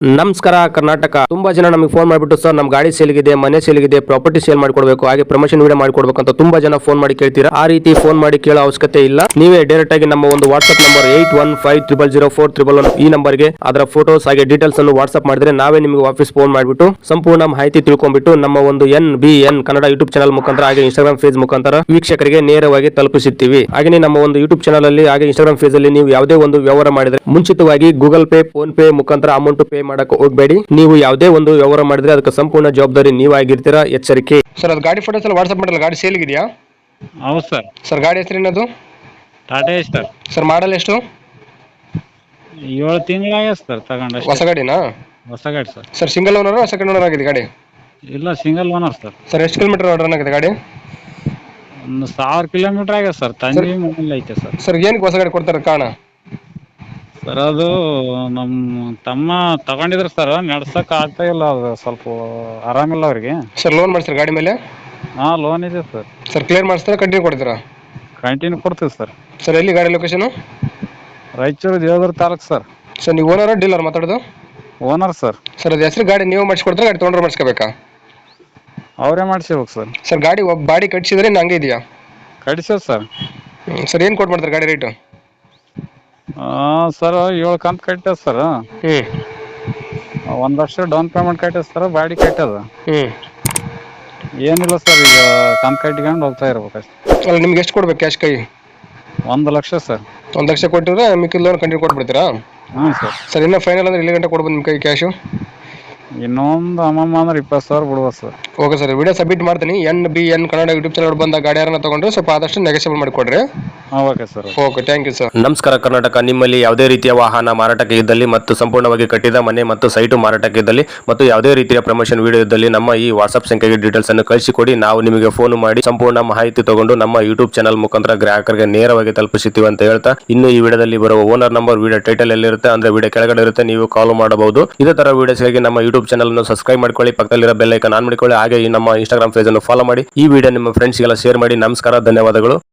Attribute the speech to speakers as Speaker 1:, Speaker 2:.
Speaker 1: ನಮಸ್ಕಾರ ಕರ್ನಾಟಕ. ತುಂಬಾ ಜನ ನಮಗೆ ಫೋನ್ ಮಾಡಿಬಿಟ್ಟು ಸರ್ ನಮ್ಮ ಗಾಡಿ ಸೇಲ್ಗಿದೆ, ಮನೆ ಸೇಲ್ಗಿದೆ, ಪ್ರಾಪರ್ಟಿ ಸೇಲ್ ಮಾಡಿಕೊಡ್ಬೇಕು, ಹಾಗೆ ಪ್ರಮೋಷನ್ ವಿಡಿಯೋ ಮಾಡಿಕೊಡ್ಬೇಕು ಅಂತ ತುಂಬಾ ಜನ ಫೋನ್ ಮಾಡಿ ಕೇಳ್ತೀರಾ. ಆ ರೀತಿ ಫೋನ್ ಮಾಡಿ ಕೇಳೋ ಅವಶ್ಯಕತೆ ಇಲ್ಲ. ನೀವೇ ಡೈರೆಕ್ಟ್ ಆಗಿ ನಮ್ಮ ಒಂದು ವಾಟ್ಸ್ಆಪ್ ನಂಬರ್ 81500411 ಈ ನಂಬರ್ಗೆ ಅದರ ಫೋಟೋಸ್ ಹಾಗೆ ಡೀಟೇಲ್ಸ್ ಅನ್ನು ವಾಟ್ಸ್ಆಪ್ ಮಾಡಿದ್ರೆ ನಾವೇ ನಿಮಗೆ ವಾಪಸ್ ಫೋನ್ ಮಾಡಿಬಿಟ್ಟು ಸಂಪೂರ್ಣ ಮಾಹಿತಿ ತಿಳ್ಕೊಂಡ್ಬಿಟ್ಟು ನಮ್ಮ ಒಂದು NBN ಕನ್ನಡ ಯೂಟ್ಯೂಬ್ ಚಾನಲ್ ಮುಖಾಂತರ ಹಾಗೆ ಇನ್ಸ್ಟಾಗ್ರಾಮ್ ಪೇಜ್ ಮುಖಾಂತರ ವೀಕ್ಷಕರಿಗೆ ನೇರವಾಗಿ ತಲುಪಿಸುತ್ತೀವಿ. ಹಾಗೆ ನಮ್ಮ ಒಂದು ಯೂಟ್ಯೂಬ್ ಚಾನಲ್ ಅಲ್ಲಿ ಹಾಗೆ ಇನ್ಸ್ಟಾಗ್ರಾಮ್ ಪೇಜ್ ಅಲ್ಲಿ ನೀವು ಯಾವುದೇ ಒಂದು ವ್ಯವಹಾರ ಮಾಡಿದ್ರೆ ಮುಂಚಿತವಾಗಿ ಗೂಗಲ್ ಪೇ, ಫೋನ್ ಪೇ ಮುಖಾಂತರ ಅಮೌಂಟ್ ಪೇ ಮಾಡಕ್ಕೆ ಹೋಗಬೇಡಿ. ನೀವು ಯಾವುದೇ ಒಂದು ವ್ಯವಹಾರ ಮಾಡಿದ್ರೆ ಅದಕ್ಕೆ ಸಂಪೂರ್ಣ ಜವಾಬ್ದಾರಿ ನೀವಾಗಿರ್ತೀರಾ, ಎಚ್ಚರಿಕೆ. ಸರ್ ಅದು ಗಾಡಿ ಫೋಟೋಸ್ ಎಲ್ಲ ವಾಟ್ಸ್ಆಪ್ ಮಾಡಲ್ಲ, ಗಾಡಿ ಸೇಲ್ ಇದೆಯಾ?
Speaker 2: ಹೌದು ಸರ್.
Speaker 1: ಸರ್ ಗಾಡಿ ಹೆಸರೇನದು?
Speaker 2: ಟಾಟಾ ಸರ್.
Speaker 1: ಸರ್ ಮಾಡಲ್ ಎಷ್ಟು?
Speaker 2: 7 ತಿಂಗಳಾಗ್ಯದ ಸರ್ ತಗೊಂಡು.
Speaker 1: ಹೊಸ ಗಾಡಿನಾ?
Speaker 2: ಹೊಸ ಗಾಡಿ sir.
Speaker 1: Sir single owner second owner ಆಗಿದೆ ಗಾಡಿ?
Speaker 2: ಇಲ್ಲ, ಸಿಂಗಲ್ ಓನರ್ ಸರ್.
Speaker 1: ಸರ್ ಎಷ್ಟು ಕಿಲೋಮೀಟರ್ ರನ್ ಆಗಿದೆ ಗಾಡಿ?
Speaker 2: ಒಂದು 1000 ಕಿಲೋಮೀಟರ್ ಆಗ್ಯದ ಸರ್. ತಂಗಿ ಮನೇಲಿ ಐತೆ ಸರ್.
Speaker 1: ಸರ್ ಏನಕ್ಕೆ ಹೊಸ ಗಾಡಿ ಕೊಡ್ತಾರೆ ಕಾರಣ?
Speaker 2: ಸರ್ ಅದು ನಮ್ಮ ತಮ್ಮ ತಗೊಂಡಿದ್ರು ಸರ್, ನಡ್ಸಕ್ ಆಗ್ತಾ ಇಲ್ಲ, ಅದು ಸ್ವಲ್ಪ ಆರಾಮಿಲ್ಲ ಅವ್ರಿಗೆ.
Speaker 1: ಸರ್ ಲೋನ್ ಮಾಡಿಸ್ತಾರೆ ಗಾಡಿ ಮೇಲೆ?
Speaker 2: ಹಾಂ, ಲೋನ್ ಇದೆ ಸರ್.
Speaker 1: ಸರ್ ಕ್ಲಿಯರ್ ಮಾಡಿಸ್ತಾರೆ, ಕಂಟಿನ್ಯೂ ಕೊಡ್ತೀರಾ?
Speaker 2: ಕಂಟಿನ್ಯೂ ಕೊಡ್ತೀವಿ ಸರ್.
Speaker 1: ಸರ್ ಎಲ್ಲಿ ಗಾಡಿ location?
Speaker 2: Raichur Devadurga taluk sir.
Speaker 1: Sir ನೀವು ಓನರ್ ಡೀಲರ್ ಮಾತಾಡೋದು?
Speaker 2: Owner sir.
Speaker 1: ಸರ್ ಅದು ಹೆಸರು ಗಾಡಿ ನೀವು ಮಾಡಿಸ್ಕೊಡ್ತಾರೆ, ಗಾಡಿ ತೊಗೊಂಡ್ರೆ ಮಾಡಿಸ್ಕೋಬೇಕಾ?
Speaker 2: ಅವರೇ ಮಾಡಿಸ್ಬೇಕು ಸರ್.
Speaker 1: ಸರ್ ಗಾಡಿ ಬಾಡಿ ಕಟ್ಸಿದ್ರೆ ಹಂಗೆ ಇದೆಯಾ?
Speaker 2: ಕಡಿಸೋದು ಸರ್.
Speaker 1: ಸರ್ ಏನು ಕೊಟ್ಟು ಮಾಡ್ತಾರೆ ಗಾಡಿ ರೇಟು?
Speaker 2: ಸರ್ 7 ಕಂತು ಕಟ್ಟ್ಯದ ಸರ್. 1 ಲಕ್ಷ ಡೌನ್ ಪೇಮೆಂಟ್ ಕಟ್ಟ್ಯದ ಸರ್, ಬಾಡಿ ಕಟ್ಟ್ಯದ. ಏನಿಲ್ಲ ಸರ್, ಈಗ ಕಂತು ಕಟ್ಕೊಂಡು ಹೋಗ್ತಾ ಇರ್ಬೇಕು ಅಷ್ಟೇ.
Speaker 1: ಅಲ್ಲ ನಿಮ್ಗೆ ಎಷ್ಟು ಕೊಡ್ಬೇಕು ಕ್ಯಾಶ್ ಕೈ?
Speaker 2: 1 ಲಕ್ಷ ಸರ್.
Speaker 1: 1 ಲಕ್ಷ ಕೊಟ್ಟಿದ್ರೆ ಮಿಕ್ಕಿದ ಲೋನ್ ಕಂಟಿನ್ಯೂ ಕೊಟ್ಬಿಡ್ತೀರಾ?
Speaker 2: ಹ್ಞೂ ಸರ್.
Speaker 1: ಸರ್ ಇನ್ನೂ ಫೈನಲ್ ಅಂದ್ರೆ ಇಲ್ಲಿ ಗಂಟೆ ಕೊಡ್ಬೋದು ನಿಮ್ಮ ಕೈ ಕ್ಯಾಶು?
Speaker 2: ಇನ್ನೊಂದು ಅಮ್ಮಮ್ಮ ಅಂದ್ರೆ 20,000 ಬಿಡ್ಬೋದು sir.
Speaker 1: Okay sir, video submit ಮಾಡ್ತೀನಿ. NBN ಕನ್ನಡ ಯೂಟ್ಯೂಬ್ ಚಾನಲ್ ಬಂದ ಗಾಡಿ ಯಾರನ್ನ ತಗೊಂಡ್ರೆ ಸ್ವಲ್ಪ ಆದಷ್ಟು ನೆಗೆಸಿಬಲ್ ಮಾಡಿಕೊಡ್ರಿ.
Speaker 2: Okay sir.
Speaker 1: Okay, thank you sir. ನಮಸ್ಕಾರ ಕರ್ನಾಟಕ. ನಿಮ್ಮಲ್ಲಿ ಯಾವುದೇ ರೀತಿಯ ವಾಹನ ಮಾರಾಟಕ್ಕೆ ಇದ್ದಲ್ಲಿ ಮತ್ತು ಸಂಪೂರ್ಣವಾಗಿ ಕಟ್ಟಿದ ಮನೆ ಮತ್ತು ಸೈಟು ಮಾರಾಟಕ್ಕೆ ಇದ್ದಲ್ಲಿ ಮತ್ತು ಯಾವುದೇ ರೀತಿಯ ಪ್ರಮೋಷನ್ ವಿಡಿಯೋ ಇದ್ದಲ್ಲಿ ನಮ್ಮ ಈ ವಾಟ್ಸ್ಆಪ್ ಸಂಖ್ಯೆಗೆ ಡೀಟೇಲ್ಸ್ ಅನ್ನು ಕಳಿಸಿಕೊಡಿ. ನಾವು ನಿಮಗೆ ಫೋನ್ ಮಾಡಿ ಸಂಪೂರ್ಣ ಮಾಹಿತಿ ತಗೊಂಡು ನಮ್ಮ ಯೂಟ್ಯೂಬ್ ಚಾನಲ್ ಮುಖಾಂತರ ಗ್ರಾಹಕರಿಗೆ ನೇರವಾಗಿ ತಲುಪಿಸುತ್ತೀವಿ ಅಂತ ಹೇಳ್ತಾ, ಇನ್ನು ಈ ವಿಡಿಯೋದಲ್ಲಿ ಬರುವ ಓನರ್ ನಂಬರ್ ವಿಡಿಯೋ ಟೈಟಲ್ ಎಲ್ಲಿರುತ್ತೆ ಅಂದ್ರೆ ವಿಡಿಯೋ ಕೆಳಗಡೆ ಇರುತ್ತೆ, ನೀವು ಕಾಲ್ ಮಾಡಬಹುದು. ಇದೇ ತರ ವಿಡಿಯೋಸ್ಗಾಗಿ ನಮ್ಮ ಯೂಟ್ಯೂಬ್ ಚಾನಲ್ ಅನ್ನು ಸಬ್ಸ್ಕ್ರೈಬ್ ಮಾಡ್ಕೊಳ್ಳಿ, ಪಕ್ಕದಲ್ಲಿರೋ ಬೆಲ್ ಐಕಾನ್ ಆನ್ ಮಾಡಿಕೊಳ್ಳಿ, ಹಾಗೆ ಈ ನಮ್ಮ ಇನ್ಸ್ಟಾಗ್ರಾಮ್ ಪೇಜ್ ಅನ್ನು ಫಾಲೋ ಮಾಡಿ. ಈ ವಿಡಿಯೋ ನಿಮ್ಮ ಫ್ರೆಂಡ್ಸ್ಗೆಲ್ಲ ಶೇರ್ ಮಾಡಿ. ನಮಸ್ಕಾರ, ಧನ್ಯವಾದಗಳು.